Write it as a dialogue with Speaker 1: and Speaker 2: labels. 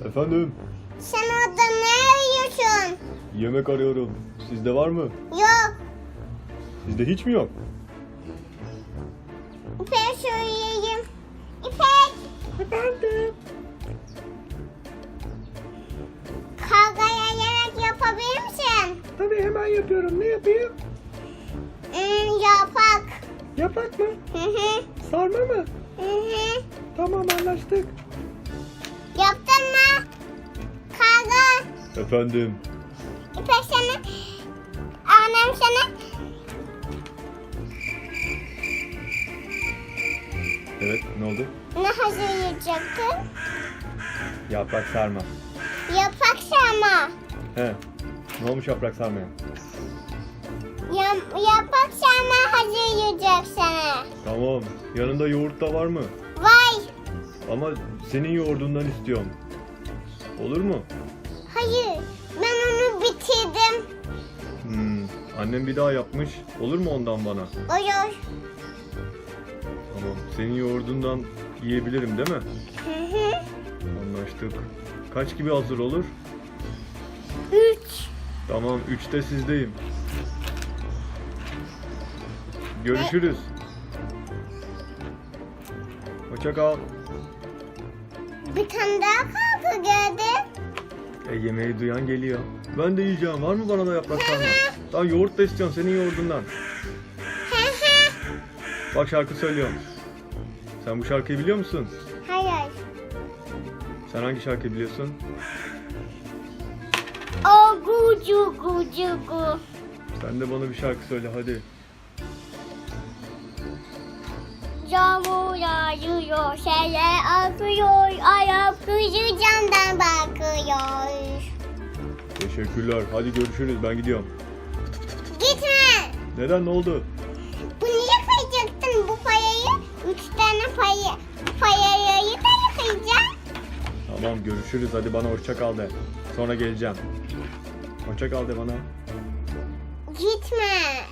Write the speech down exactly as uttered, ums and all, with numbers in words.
Speaker 1: Efendim?
Speaker 2: Sen orada ne arıyorsun?
Speaker 1: Yemek arıyorum. Sizde var mı?
Speaker 2: Yok.
Speaker 1: Sizde hiç mi yok?
Speaker 2: İpek söyleyeyim. İpek.
Speaker 1: Efendim?
Speaker 2: Kargaya yemek yapabilir misin?
Speaker 1: Tabii hemen yapıyorum. Ne yapayım?
Speaker 2: Hmm, yapak.
Speaker 1: Yapak mı?
Speaker 2: Hı hı.
Speaker 1: Sarma mı?
Speaker 2: Hı hı.
Speaker 1: Tamam anlaştık.
Speaker 2: Yaptın mı? Karga.
Speaker 1: Efendim?
Speaker 2: İpek sana. Annem sana.
Speaker 1: Evet ne oldu?
Speaker 2: Ne hazırlayacaktın?
Speaker 1: Yaprak sarma.
Speaker 2: Yapak sarma.
Speaker 1: He. Ne olmuş yaprak sarmaya?
Speaker 2: Yap, yapak sarma hazırlayacak sana.
Speaker 1: Tamam. Yanında yoğurt da var mı?
Speaker 2: Vay.
Speaker 1: Ama senin yoğurdundan istiyorum. Olur mu?
Speaker 2: Hayır. Ben onu bitirdim.
Speaker 1: Hmm. Annem bir daha yapmış. Olur mu ondan bana?
Speaker 2: Olur.
Speaker 1: Tamam. Senin yoğurdundan yiyebilirim değil mi?
Speaker 2: Hı hı.
Speaker 1: Anlaştık. Kaç gibi hazır olur?
Speaker 2: Üç.
Speaker 1: Tamam. Üçte sizdeyim. Görüşürüz. Hoşça kal.
Speaker 2: Bir tane daha kaldı geldi.
Speaker 1: E yemeği duyan geliyor. Ben de yiyeceğim. Var mı bana da yaprak sarma? Daha yoğurt da istiyorum senin yoğurdundan.
Speaker 2: Hı hı.
Speaker 1: Bak şarkı söylüyorum. Sen bu şarkıyı biliyor musun?
Speaker 2: Hayır.
Speaker 1: Sen hangi şarkıyı biliyorsun?
Speaker 2: O gucu gucu gu.
Speaker 1: Sen de bana bir şarkı söyle hadi.
Speaker 2: Yağmur yağıyor, seller akıyor, ayak kızı camdan bakıyor.
Speaker 1: Teşekkürler. Hadi görüşürüz. Ben gidiyorum.
Speaker 2: Gitme.
Speaker 1: Neden? Ne oldu?
Speaker 2: Bu niye yıkayacaktın bu payayı? Üç tane payı, payayı da yıkayacağım.
Speaker 1: Tamam görüşürüz. Hadi bana hoşça kal de. Sonra geleceğim. Hoşça kal de bana.
Speaker 2: Gitme.